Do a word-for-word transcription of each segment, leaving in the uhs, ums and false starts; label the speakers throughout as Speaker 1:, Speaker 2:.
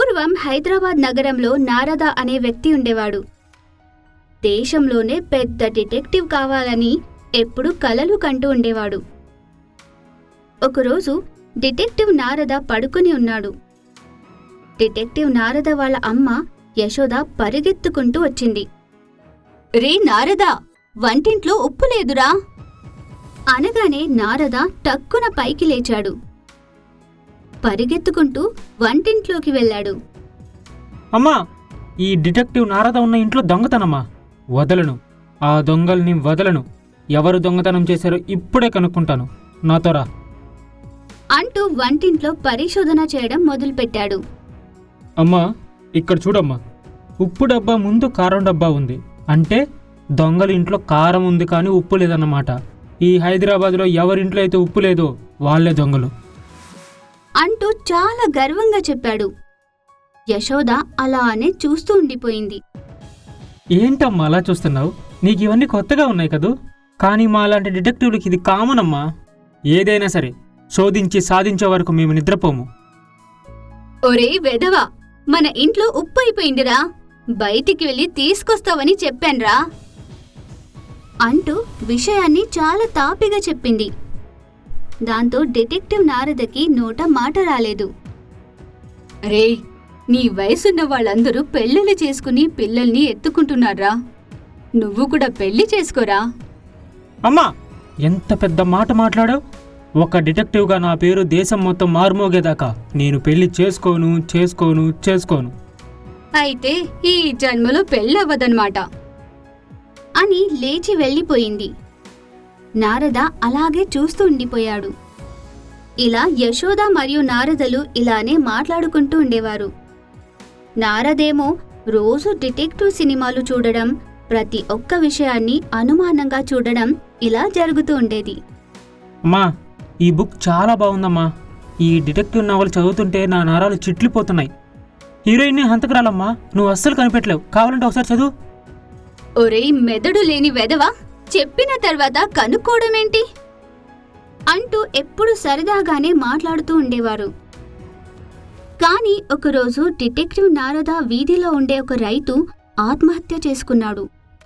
Speaker 1: పూర్వం హైదరాబాద్ నగరంలో నారద అనే వ్యక్తి ఉండేవాడు. దేశంలోనే పెద్ద డిటెక్టివ్ కావాలని ఎప్పుడూ కలలు కంటూ ఉండేవాడు. ఒకరోజు డిటెక్టివ్ నారద పడుకుని ఉన్నాడు. డిటెక్టివ్ నారద వాళ్ళ అమ్మ యశోద పరిగెత్తుకుంటూ వచ్చింది. రే నారద, వంటింట్లో ఉప్పు లేదురా అనగానే నారద టక్కున పైకి లేచాడు. పరిగెత్తుకుంటూ వంటింట్లోకి వెళ్ళాడు.
Speaker 2: అమ్మా, ఈ డిటెక్టివ్ నారద ఉన్న ఇంట్లో దొంగతనమ్మా. వదలను, ఆ దొంగల్ని వదలను. ఎవరు దొంగతనం చేశారో ఇప్పుడే కనుక్కుంటాను, నాతో రా
Speaker 1: అంటూ వంటింట్లో పరిశోధన చేయడం మొదలుపెట్టాడు.
Speaker 2: అమ్మా, ఇక్కడ చూడమ్మా, ఉప్పు డబ్బా ముందు కారం డబ్బా ఉంది. అంటే దొంగల ఇంట్లో కారం ఉంది కానీ ఉప్పు లేదన్నమాట. ఈ హైదరాబాద్లో ఎవరింట్లో అయితే ఉప్పు లేదో వాళ్లే దొంగలు
Speaker 1: అంటూ చాలా గర్వంగా చెప్పాడు. యశోద అలానే చూస్తూ ఉండిపోయింది.
Speaker 2: ఏంటమ్మా అలా చూస్తున్నావు? నీకు ఇవన్నీ కొత్తగా ఉన్నాయి కదూ. కానీ మా లాంటి డిటెక్టివ్లకి ఇది కామన్ అమ్మా. ఏదైనా సరే శోధించి సాధించే వరకు మేము నిద్రపోము.
Speaker 1: ఒరే వెధవా, మన ఇంట్లో ఉప్పు అయిపోయిందిరా, బయటికి వెళ్ళి తీసుకొస్తావని చెప్పాన్రా అంటూ విషయాన్ని చాలా తాపిగా చెప్పింది. దాంతో డిటెక్టివ్ నారదకి నోట మాట రాలేదు. రే, నీ వయసున్న వాళ్ళందరూ పెళ్ళిళ్ళు చేసుకుని పిల్లల్ని ఎత్తుకుంటున్నారా, నువ్వు కూడా పెళ్లి చేసుకోరా.
Speaker 2: అమ్మా, ఎంత పెద్ద మాట మాట్లాడావు. ఒక డిటెక్టివ్గా నా పేరు దేశం మొత్తం మారుమోగేదాకా నేను పెళ్లి చేసుకోను చేసుకోను చేసుకోను
Speaker 1: అయితే ఈ జన్మలో పెళ్ళవ్వదన్నమాట అని లేచి వెళ్ళిపోయింది. నారద అలాగే చూస్తూ ఉండిపోయాడు. ఇలా యశోద మరియు నారదలు ఇలానే మాట్లాడుకుంటూ ఉండేవారు. నారదేమో రోజు డిటెక్టివ్ సినిమాలు చూడడం, ప్రతి ఒక్క విషయాన్ని అనుమానంగా చూడడం ఇలా జరుగుతూ ఉండేది.
Speaker 2: అమ్మా, ఈ బుక్ చాలా బాగుందమ్మా. ఈ డిటెక్టివ్ నవల్ చదువుతుంటే నా నరాలు చిట్లిపోతున్నాయి. హీరోయిన్ని హంతకురాలమ్మా, నువ్వు అస్సలు కనిపెట్టలేవు. కావాలంటే ఒకసారి చదువు.
Speaker 1: ఒరేయ్ మెదడు లేని వెధవా, చెప్పిన తర్వాత కనుక్కోవడమేంటి అంటూ ఎప్పుడు సరదాగానే మాట్లాడుతూ ఉండేవారు. కానీ ఒకరోజు డిటెక్టివ్ నారద వీధిలో ఉండే ఒక రైతు ఆత్మహత్య చేసుకున్నాడు.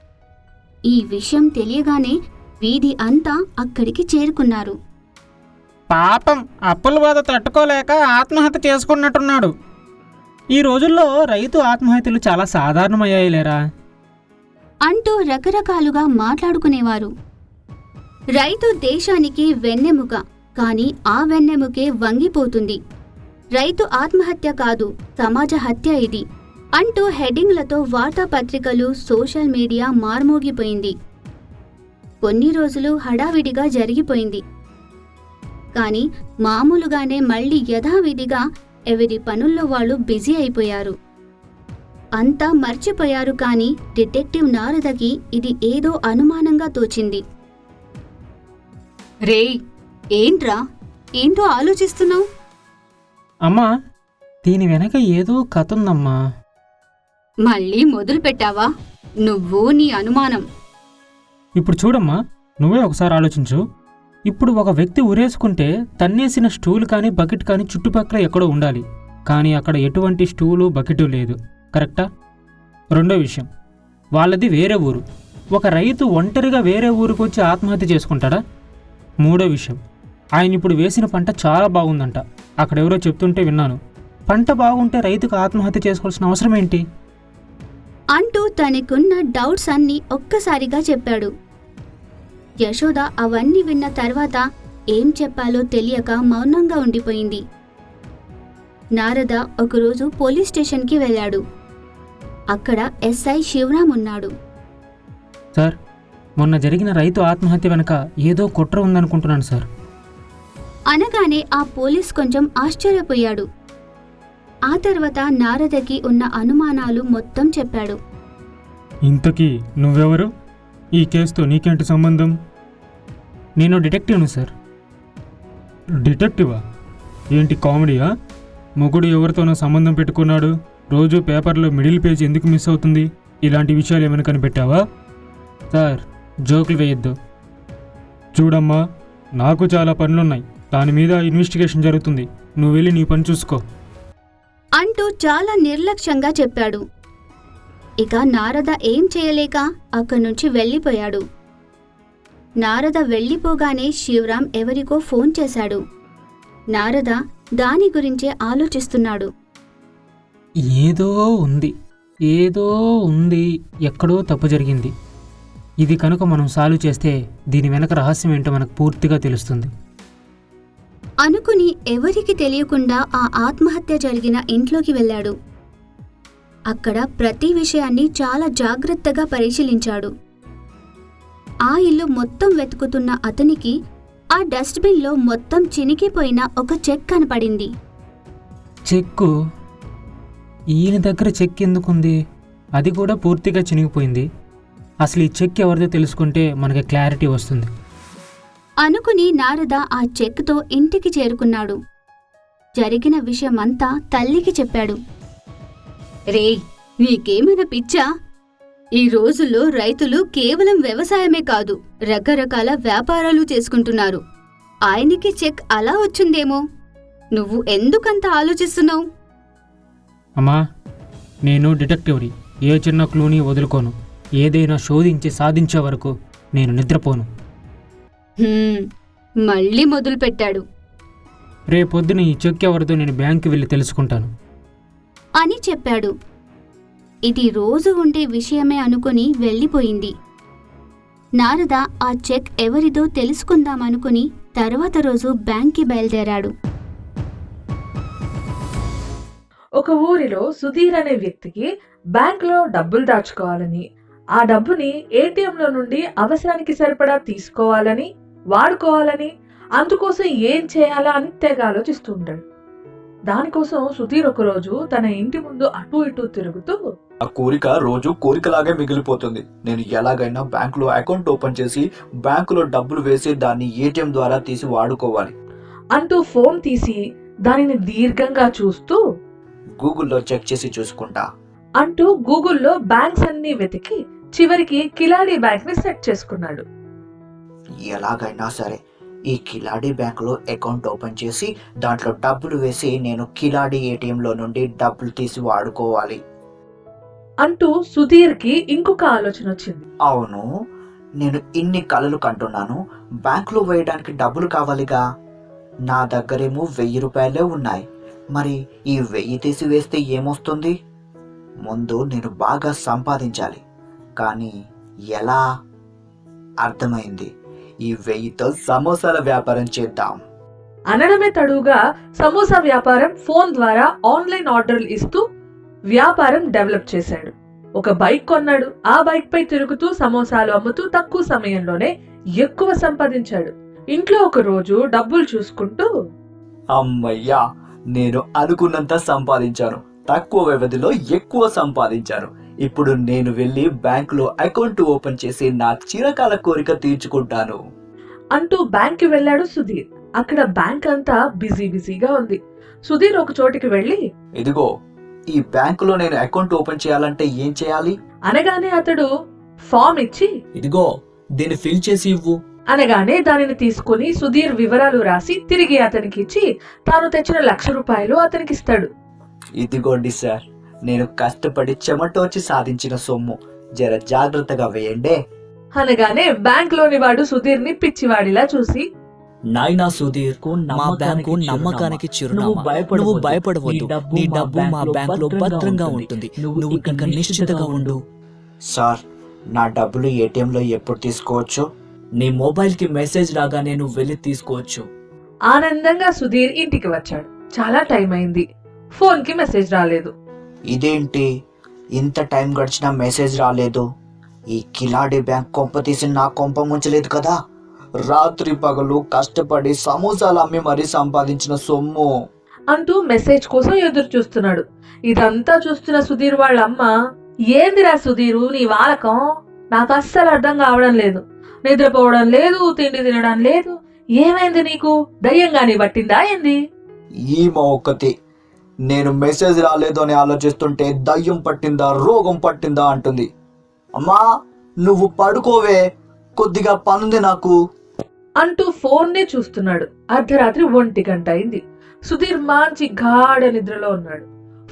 Speaker 1: ఈ విషయం తెలియగానే వీధి అంతా అక్కడికి చేరుకున్నారు.
Speaker 2: పాపం, అప్పుల బాధ తట్టుకోలేక ఆత్మహత్య చేసుకున్నట్టున్నాడు. ఈ రోజుల్లో రైతు ఆత్మహత్యలు చాలా సాధారణమయ్యాయిలేరా
Speaker 1: అంటూ రకరకాలుగా మాట్లాడుకునేవారు. రైతు దేశానికి వెన్నెముక, కానీ ఆ వెన్నెముకే వంగిపోతుంది. రైతు ఆత్మహత్య కాదు, సమాజ హత్య ఇది అంటూ హెడ్డింగ్లతో వార్తాపత్రికలు, సోషల్ మీడియా మార్మోగిపోయింది. కొన్ని రోజులు హడావిడిగా జరిగిపోయింది. కానీ మామూలుగానే మళ్లీ యథావిధిగా ఎవరి పనుల్లో వాళ్ళు బిజీ అయిపోయారు. అంతా మర్చిపోయారు. కానీ డిటెక్టివ్ నారదకి ఇది ఏదో అనుమానంగా తోచింది. రే, ఏంట్రా, ఏంటో ఆలోచిస్తున్నావు?
Speaker 2: అమ్మా, దీని వెనక ఏదో కథ ఉందమ్మా.
Speaker 1: మళ్ళీ మొదలు పెట్టావా నువ్వు నీ అనుమానం?
Speaker 2: ఇప్పుడు చూడమ్మా, నువ్వే ఒకసారి ఆలోచించు. ఇప్పుడు ఒక వ్యక్తి ఉరేసుకుంటే తన్నేసిన స్టూల్ కానీ బకెట్ కానీ చుట్టుపక్కల ఎక్కడో ఉండాలి. కానీ అక్కడ ఎటువంటి స్టూలు బకెటు లేదు, కరెక్టా? రెండో విషయం, వాళ్ళది వేరే ఊరు. ఒక రైతు ఒంటరిగా వేరే ఊరికి వచ్చి ఆత్మహత్య చేసుకుంటాడా? మూడో విషయం, ఆయన ఇప్పుడు వేసిన పంట చాలా బాగుందంట. అక్కడెవరో చెప్తుంటే విన్నాను. పంట బాగుంటే రైతుకు ఆత్మహత్య చేసుకోవాల్సిన అవసరం ఏంటి
Speaker 1: అంటూ తనకున్న డౌట్స్ అన్నీ ఒక్కసారిగా చెప్పాడు. యశోద అవన్నీ విన్న తర్వాత ఏం చెప్పాలో తెలియక మౌనంగా ఉండిపోయింది. నారద ఒకరోజు పోలీస్ స్టేషన్కి వెళ్ళాడు. అక్కడ ఎస్ఐ శివరాం ఉన్నాడు.
Speaker 2: సార్, మొన్న జరిగిన రైతు ఆత్మహత్య వెనక ఏదో కుట్ర ఉందనుకుంటున్నాను సార్
Speaker 1: అనగానే ఆ పోలీస్ కొంచెం ఆశ్చర్యపోయాడు. ఆ తర్వాత నారదకి ఉన్న అనుమానాలు మొత్తం చెప్పాడు.
Speaker 2: ఇంతకీ నువ్వెవరు? ఈ కేసుతో నీకేంటి సంబంధం? నేను డిటెక్టివ్ను సార్. డిటెక్టివా? ఏంటి కామెడీయా? మొగుడు ఎవరితోనో సంబంధం పెట్టుకున్నాడు, రోజు పేపర్లో మిడిల్ పేజ్ ఎందుకు మిస్ అవుతుంది? ఇలాంటి విషయాలు ఏమైనా కనిపెట్టావా? సార్, జోకులు వేయొద్దు. చూడమ్మా, నాకు చాలా పనులున్నాయి. దాని మీద ఇన్వెస్టిగేషన్ జరుగుతుంది. నువ్వు వెళ్ళి నీ పని చూసుకో
Speaker 1: అంటూ చాలా నిర్లక్ష్యంగా చెప్పాడు. ఇక నారద ఏం చేయలేక అక్కడి నుంచి వెళ్ళిపోయాడు. నారద వెళ్ళిపోగానే శివరాం ఎవరికో ఫోన్ చేశాడు. నారద దాని గురించే ఆలోచిస్తున్నాడు.
Speaker 2: ఏదో ఉంది ఏదో ఉంది ఎక్కడో తప్పు జరిగింది. ఇది కనుక మనం సాల్వ్ చేస్తే దీని వెనక రహస్యం ఏంటో మనకు పూర్తిగా తెలుస్తుంది
Speaker 1: అనుకుని ఎవరికి తెలియకుండా ఆ ఆత్మహత్య జరిగిన ఇంట్లోకి వెళ్ళాడు. అక్కడ ప్రతి విషయాన్ని చాలా జాగ్రత్తగా పరిశీలించాడు. ఆ ఇల్లు మొత్తం వెతుకుతున్న అతనికి ఆ డస్ట్బిన్లో మొత్తం చినికిపోయిన ఒక చెక్ కనపడింది.
Speaker 2: చెక్కు ఈయన దగ్గర చెక్ ఎందుకుంది? అది కూడా పూర్తిగా చినిగిపోయింది. అసలు ఈ చెక్ ఎవరిదో తెలుసుకుంటే మనకి క్లారిటీ వస్తుంది
Speaker 1: అనుకుని నారద ఆ చెక్తో ఇంటికి చేరుకున్నాడు. జరిగిన విషయమంతా తల్లికి చెప్పాడు. రే, నీకేమైనా పిచ్చా? ఈ రోజుల్లో రైతులు కేవలం వ్యవసాయమే కాదు, రకరకాల వ్యాపారాలు చేసుకుంటున్నారు. ఆయనకి చెక్ అలా వచ్చిందేమో. నువ్వు ఎందుకంత ఆలోచిస్తున్నావు?
Speaker 2: అమ్మా, నేను డిటెక్టివ్ని. ఏ చిన్న క్లూని వదులుకోను. ఏదైనా శోధించి సాధించే వరకు నేను నిద్రపోను.
Speaker 1: మళ్ళీ మొదలుపెట్టాడు.
Speaker 2: రేపొద్దున ఈ చెక్ ఎవరిదో నేను బ్యాంకు వెళ్ళి తెలుసుకుంటాను
Speaker 1: అని చెప్పాడు. ఇది రోజు ఉండే విషయమే అనుకుని వెళ్ళిపోయింది. నారద ఆ చెక్ ఎవరిదో తెలుసుకుందామనుకుని తర్వాత రోజు బ్యాంక్కి బయలుదేరాడు.
Speaker 3: ఒక ఊరిలో సుధీర్ అనే వ్యక్తికి బ్యాంకులో డబ్బులు దాచుకోవాలని, ఆ డబ్బుని ఏటీఎంలో నుండి అవసరానికి సరిపడా తీసుకోవాలని, వాడుకోవాలని, అందుకోసం ఏం చేయాలా అని తెగ ఆలోచిస్తూ ఉంటాడు. దానికోసం సుధీర్ ఒకరోజు తన ఇంటి ముందు అటు ఇటు తిరుగుతూ,
Speaker 4: ఆ కోరిక రోజు కోరికలాగే మిగిలిపోతుంది. నేను ఎలాగైనా బ్యాంకులో అకౌంట్ ఓపెన్ చేసి బ్యాంకులో డబ్బులు వేసి దాన్ని ఏటీఎం ద్వారా తీసి వాడుకోవాలి
Speaker 3: అంటూ ఫోన్ తీసి దానిని దీర్ఘంగా చూస్తూ,
Speaker 4: గూగుల్లో చెక్ చేసి చూసుకుంటా
Speaker 3: అంటూ గూగుల్లో బ్యాంక్స్ అన్ని వెతికి చివరికి కిలాడి బ్యాంక్ ని సెట్ చేసుకున్నాడు.
Speaker 4: ఎలాగైనా సరే ఈ కిలాడి బ్యాంకులో అకౌంట్ ఓపెన్ చేసి దాంట్లో డబ్బులు వేసి నేను కిలాడి ఏటీఎంలో నుండి డబ్బులు తీసి వాడుకోవాలి
Speaker 3: అంటూ సుధీర్ కి ఇంకొక ఆలోచన వచ్చింది.
Speaker 4: అవును, నేను ఇన్ని కలలు కంటున్నాను. బ్యాంకులో వేయడానికి డబ్బులు కావాలిగా. నా దగ్గరేమో వెయ్యి రూపాయలే ఉన్నాయి. మరి ఈ వెయ్యి తీసి వేస్తే ఏమొస్తుంది? ముందు నేను బాగా సంపాదించాలి. కానీ ఎలా? అర్థమైంది, ఈ వెయ్యితో సమోసాల వ్యాపారం చేద్దాం
Speaker 3: అనడమే తడుగా సమోసా వ్యాపారం ఫోన్ ద్వారా ఆన్లైన్ ఆర్డర్లు ఇస్తూ వ్యాపారం డెవలప్ చేశాడు. ఒక బైక్ కొన్నాడు. ఆ బైక్ పై తిరుగుతూ సమోసాలు అమ్ముతూ తక్కువ సమయంలోనే ఎక్కువ సంపాదించాడు. ఇంట్లో ఒక రోజు డబ్బులు చూసుకుంటూ,
Speaker 4: అమ్మయ్యా, నేను అనుకున్నంత సంపాదించాను. తక్కువ వ్యవధిలో ఎక్కువ సంపాదించాను. ఇప్పుడు నేను వెళ్ళి బ్యాంకులో అకౌంట్ ఓపెన్ చేసి నా చిరకాల కోరిక తీర్చుకుంటాను
Speaker 3: అంటూ బ్యాంక్ వెళ్ళాడు సుధీర్. అక్కడ బ్యాంక్ అంతా బిజీ బిజీగా ఉంది. సుధీర్ ఒక చోటికి వెళ్ళి,
Speaker 4: ఇదిగో, ఈ బ్యాంకులో నేను అకౌంట్ ఓపెన్ చేయాలంటే ఏం చేయాలి
Speaker 3: అనగానే అతడు ఫామ్ ఇచ్చి,
Speaker 4: ఇదిగో దీన్ని ఫిల్ చేసి ఇవ్వు
Speaker 3: అనగానే దానిని తీసుకుని సుధీర్ వివరాలు రాసి తిరిగి అతనికి ఇచ్చి తాను తెచ్చిన లక్ష రూపాయలు అతనికి ఇస్తాడు.
Speaker 4: ఇదిగోండి సార్, నేను కష్టపడి చెమటోచి సాధించిన సొమ్ము. జర జాగ్రత్తగా వేయండి
Speaker 3: అనగానే బ్యాంక్ లోని వాడు సుధీర్ ని పిచ్చివాడిలా చూసి,
Speaker 5: నాయనా సుధీర్, మా బ్యాంకు నమ్మకానికి చిరునామా. నువ్వు భయపడవద్దు. నీ డబ్బు మా బ్యాంకులో భద్రంగా ఉంటుంది. నువ్వు ఇంకా నిశ్చితగా ఉండు.
Speaker 4: సార్, నా డబ్బులు ఏటీఎంలో ఎప్పుడు తీసుకోవచ్చు?
Speaker 5: నీ మొబైల్ కి మెసేజ్ రాగానే నువ్వు వెళ్ళి తీసుకోవచ్చు.
Speaker 3: ఆనందంగా సుధీర్ ఇంటికి వచ్చాడు. చాలా టైం అయింది. ఫోన్ కి మెసేజ్ రాలేదు.
Speaker 4: ఇదేంటి, ఇంత టైం గడిచినా మెసేజ్ రాలేదు? ఈ కిలాడి బ్యాంక్ కొంప తీసి నా కొంప ముంచలేదు కదా? రాత్రి పగలు కష్టపడి సమోసాలు అమ్మి మరీ సంపాదించిన సొమ్ము
Speaker 3: అంటూ మెసేజ్ కోసం ఎదురు చూస్తున్నాడు. ఇదంతా చూస్తున్న సుధీర్ వాళ్ళ అమ్మ, ఏందిరా సుధీరు నీ వాలకం? నాకు అస్సలు అర్థం కావడం లేదు. నిద్రపోవడం లేదు, తిండి తినడం లేదు. ఏమైంది నీకు? దయ్యంగాని పట్టిందా ఏంది?
Speaker 4: ఈ ఒక్కటి నేను మెసేజ్ రాలేదు అని ఆలోచిస్తుంటే దయ్యం పట్టిందా రోగం పట్టిందా అంటుంది. అమ్మా, నువ్వు పడుకోవే, కొద్దిగా పనుంది నాకు
Speaker 3: అంటూ ఫోన్ నే చూస్తున్నాడు. అర్ధరాత్రి ఒంటి గంట అయింది. సుధీర్ మంచి గాఢ నిద్రలో ఉన్నాడు.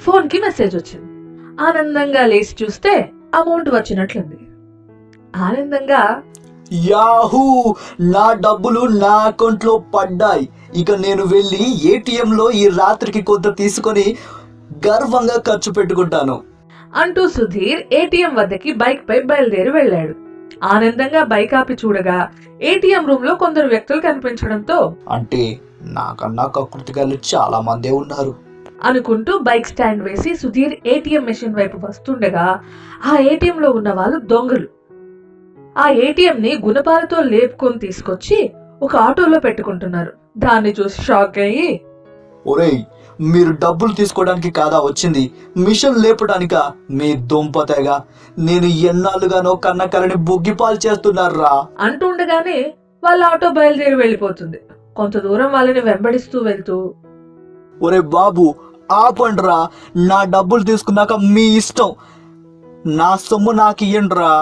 Speaker 3: ఫోన్ కి మెసేజ్ వచ్చింది. ఆనందంగా లేచి చూస్తే అమౌంట్ వచ్చినట్లుంది. ఆనందంగా
Speaker 4: యాహూ, నా డబ్బులు నా అకౌంట్ లో పడ్డాయి. ఇక నేను వెళ్ళి ఏటీఎం లో ఈ రాత్రికి కొంత తీసుకొని గర్వంగా ఖర్చు పెట్టుకుంటాను
Speaker 3: అంటూ సుధీర్ ఏటీఎం వద్దకి బైక్ పై బయలుదేరి వెళ్ళాడు. ఆనందంగా బైక్ ఆపి చూడగా ఏటీఎం రూమ్ లో కొందరు వ్యక్తులు కనిపించడంతో
Speaker 4: అంటే నాకన్నా కకృతిగాళ్ళు చాలా మందే ఉన్నారు
Speaker 3: అనుకుంటూ బైక్ స్టాండ్ వేసి సుధీర్ ఏటీఎం మెషిన్ వైపు వస్తుండగా ఆ ఏటీఎం లో ఉన్న వాళ్ళు దొంగలు. ఆ ఏటీఎం ని గుణపాలతో లేపుకొని తీసుకొచ్చి ఒక ఆటోలో పెట్టుకుంటున్నారు. దాన్ని చూసి షాక్ అయ్యి,
Speaker 4: ఒరేయ్, మీరు డబ్బులు తీసుకోవడానికి కాదా వచ్చింది, మిషన్ లేపడానిక? మీ దుంపతేగా, నేను ఎన్నాళ్ళుగానో కన్న కలని బొగ్గిపాలు చేస్తున్నారా
Speaker 3: అంటుండగానే వాళ్ళ ఆటో బయలుదేరి వెళ్ళిపోతుంది. కొంత దూరం వాళ్ళని వెంబడిస్తూ వెళ్తూ,
Speaker 4: ఒరే బాబు, ఆపండ్రా, నా డబ్బులు తీసుకున్నాక మీ ఇష్టం, నా సొమ్ము నాకు ఇయ్యండ్రా.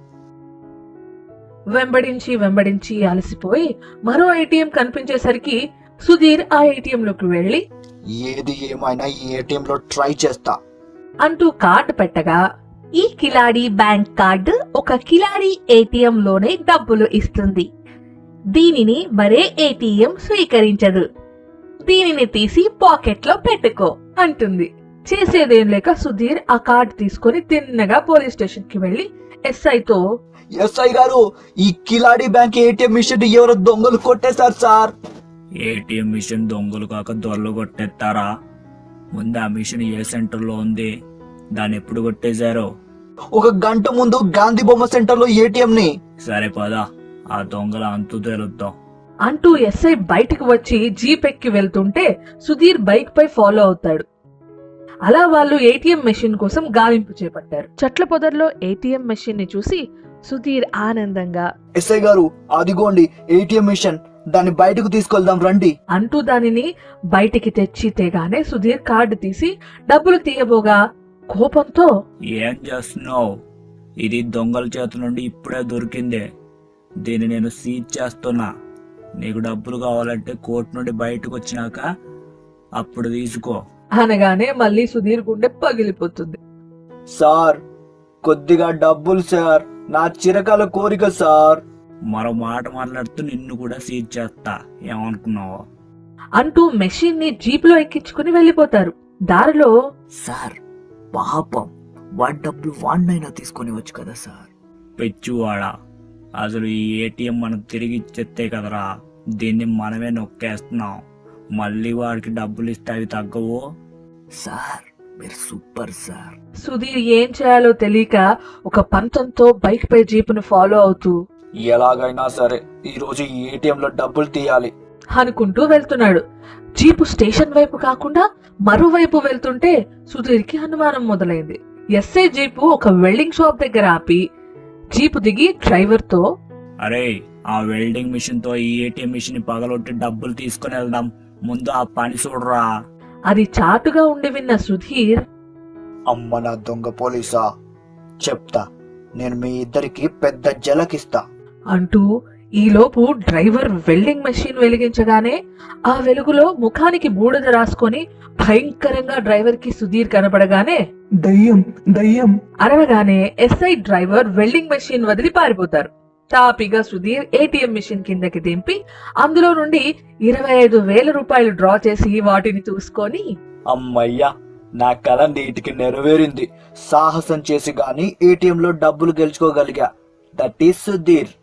Speaker 3: వెంబడించి వెంబడించి అలసిపోయి మరో ఏటీఎం కనిపించేసరికి సుధీర్ ఆ ఏటీఎం లోకి వెళ్లి
Speaker 4: ఏది ఏమైనా ఈ ఏటీఎం లో ట్రై చేస్తా
Speaker 3: అంటూ కార్డు పెట్టగా, ఈ కిలాడి బ్యాంక్ కార్డు ఒక కిలాడి ఏటీఎం లోనే డబ్బులు ఇస్తుంది. దీనిని మరే ఏటీఎం స్వీకరించదు. దీనిని తీసి పాకెట్ లో పెట్టుకో అంటుంది. చేసేదేం లేక సుధీర్ ఆ కార్డు తీసుకుని తిన్నగా పోలీస్ స్టేషన్ కి వెళ్లి ఎస్ఐతో,
Speaker 4: ఎస్ఐ గారు, ఈ కిలాడి బ్యాంక్ ఏటీఎం మిషన్ ఎవరో దొంగలు కొట్టేశారు సార్.
Speaker 5: ఏటీఎం మిషన్ దొంగలు కాక దొరలు కొట్టేస్తారా? ముందు ఆ మిషన్ ఏ సెంటర్ లో ఉంది, దాన్ని ఎప్పుడు కొట్టేశారో?
Speaker 4: ఒక గంట ముందు గాంధీ బొమ్మ సెంటర్ లో ఏటీఎం ని.
Speaker 5: సరే పదా, ఆ దొంగల అంతు తెలుద్దాం
Speaker 3: అంటూ ఎస్ఐ బయటకు వచ్చి జీప్ ఎక్కి వెళ్తుంటే సుధీర్ బైక్ పై ఫాలో అవుతాడు. అలా వాళ్ళు ఏటీఎం మెషిన్ కోసం గాలింపు చేపట్టారు. చెట్ల పొదర్లో ఏటీఎం మెషిన్ ని చూసి సుధీర్ ఆనందంగా,
Speaker 4: ఎస్ఐ గారు, అదిగోండి ఏటీఎం మిషన్, దాన్ని బయటకు తీసుకెళ్దాం రండి
Speaker 3: అంటూ దానిని బయటికి తెచ్చి తేగానే సుధీర్ కార్డు తీసి డబ్బులు తీయబోగా కోపంతో,
Speaker 5: ఏం చేస్తున్నావు? ఇది దొంగల చేతి నుండి ఇప్పుడే దొరికిందే, దీన్ని నేను సీజ్ చేస్తున్నా. నీకు డబ్బులు కావాలంటే కోర్టు నుండి బయటకు వచ్చినాక అప్పుడు తీసుకో
Speaker 3: అనగానే మళ్ళీ సుధీర్ గుండె పగిలిపోతుంది.
Speaker 4: సార్, కొద్దిగా డబ్బులు సార్, నా చిరకాల కోరిక సార్.
Speaker 5: మరో మాట మాట్లాడుతూ నిన్ను కూడా సీజ్ చేస్తా, ఏమనుకున్నావు?
Speaker 3: అంటూ మెషిన్ ని జీప్ లో ఎక్కించుకుని వెళ్లిపోతారు. దారిలో,
Speaker 5: సార్ పాపం, వాడి డబ్బులు వాడినైనా తీసుకొని వచ్చు కదా సార్. పెచ్చువాడా, అసలు ఈ ఏటీఎం మనం తిరిగి ఇచ్చేస్తే కదరా, దీన్ని మనమే నొక్కేస్తున్నాం. మళ్ళీ వాడికి డబ్బులు ఇస్తే అవి తగ్గవు. సార్ మీరు సూపర్ సార్.
Speaker 3: సుధీర్ ఏం చేయాలో తెలియక ఒక పంతంతో బైక్ పై జీపును ఫాలో అవుతూ
Speaker 4: ఎలాగైనా సరే ఈ రోజు ఈ ఏటీఎం లో డబ్బులు తీయాలి
Speaker 3: అనుకుంటూ వెళ్తున్నాడు. జీపు స్టేషన్ వైపు కాకుండా మరోవైపు వెళ్తుంటే సుధీర్ కి అనుమానం మొదలైంది. ఎస్ఐ జీపు ఒక వెల్డింగ్ షాప్ దగ్గర ఆపి జీపు దిగి డ్రైవర్ తో,
Speaker 5: అరే, ఆ వెల్డింగ్ మిషన్ తో ఈ ఏటీఎం మిషన్ పగలొట్టి డబ్బులు తీసుకుని వెళ్దాం, ముందు ఆ పని చూడరా.
Speaker 3: అది చాటుగా ఉండి విన్న సుధీర్,
Speaker 4: అమ్మ నా దొంగ పోలీసా, చెప్తా, నేను మీ ఇద్దరికి పెద్ద జలకిస్తా
Speaker 3: అంటూ ఈలోపు డ్రైవర్ వెల్డింగ్ మెషిన్ వెలిగించగానే ఆ వెలుగులో ముఖానికి బూడిద రాసుకొని భయంకరంగా డ్రైవర్ కి సుధీర్ కనపడగానే
Speaker 6: దయ్యం దయ్యం
Speaker 3: అరవగానే ఎస్ఐ డ్రైవర్ వెల్డింగ్ మెషిన్ వదిలి పారిపోతారు. తాపిగా సుధీర్ ఏటీఎం మిషన్ కిందకి దింపి అందులో నుండి ఇరవై ఐదు వేల రూపాయలు డ్రా చేసి వాటిని చూసుకొని,
Speaker 4: అమ్మయ్యా, నా కల నీటికి నెరవేరింది. సాహసం చేసి గాని ఏటీఎం లో డబ్బులు గెలుచుకోగలిగా. That is Sudheer.